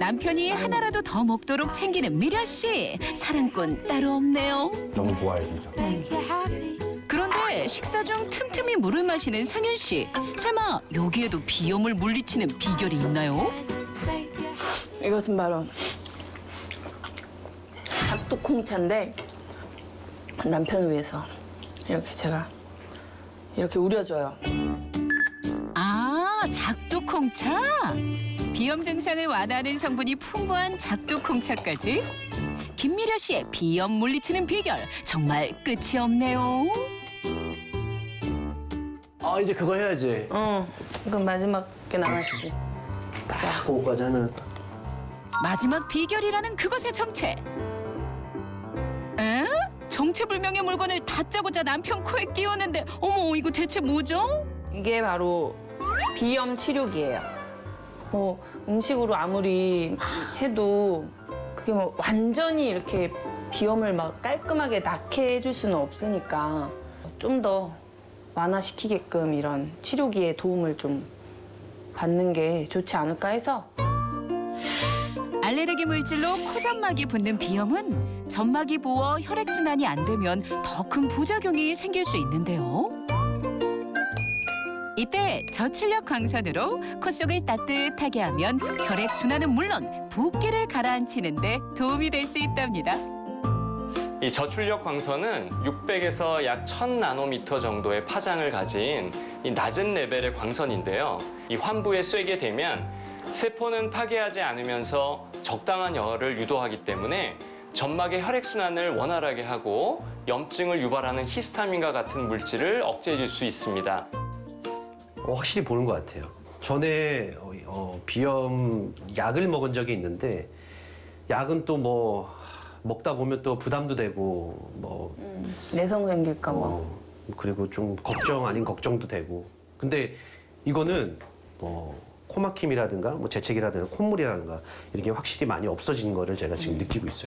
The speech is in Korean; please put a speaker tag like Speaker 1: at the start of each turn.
Speaker 1: 남편이 하나라도 더 먹도록 챙기는 미려 씨. 사랑꾼 따로 없네요.
Speaker 2: 너무 좋아요, 진짜.
Speaker 1: 그런데 식사 중 틈틈이 물을 마시는 상윤 씨. 설마 여기에도 비염을 물리치는 비결이 있나요?
Speaker 3: 이것은 바로 작두콩차인데 남편을 위해서 이렇게 제가 이렇게 우려줘요.
Speaker 1: 아, 작두콩차? 비염 증상을 완화하는 성분이 풍부한 작두콩차까지? 김미려 씨의 비염 물리치는 비결 정말 끝이 없네요.
Speaker 2: 아, 이제 그거 해야지.
Speaker 3: 응, 이건 마지막에 남았지.
Speaker 2: 딱 그거까지 하면.
Speaker 1: 마지막 비결이라는 그것의 정체. 에? 정체불명의 물건을 다짜고짜 남편 코에 끼우는데 어머 이거 대체 뭐죠?
Speaker 3: 이게 바로 비염 치료기예요. 뭐 음식으로 아무리 해도 그게 뭐 완전히 이렇게 비염을 막 깔끔하게 낫게 해줄 수는 없으니까 좀 더 완화시키게끔 이런 치료기의 도움을 좀 받는 게 좋지 않을까 해서.
Speaker 1: 알레르기 물질로 코점막이 붓는 비염은 점막이 부어 혈액순환이 안 되면 더 큰 부작용이 생길 수 있는데요. 이때 저출력 광선으로 코 속을 따뜻하게 하면 혈액순환은 물론 붓기를 가라앉히는 데 도움이 될 수 있답니다.
Speaker 4: 이 저출력 광선은 600에서 약 1000나노미터 정도의 파장을 가진 이 낮은 레벨의 광선인데요. 이 환부에 쐬게 되면 세포는 파괴하지 않으면서 적당한 열을 유도하기 때문에 점막의 혈액순환을 원활하게 하고 염증을 유발하는 히스타민과 같은 물질을 억제해 줄 수 있습니다.
Speaker 5: 확실히 보는 것 같아요. 전에 비염 약을 먹은 적이 있는데 약은 또 뭐 먹다 보면 또 부담도 되고 뭐
Speaker 3: 내성 생길까 봐.
Speaker 5: 그리고 좀 걱정 아닌 걱정도 되고. 근데 이거는 코막힘이라든가 뭐 재채기라든가 콧물이라든가 이렇게 확실히 많이 없어진 거를 제가 지금 느끼고 있어요.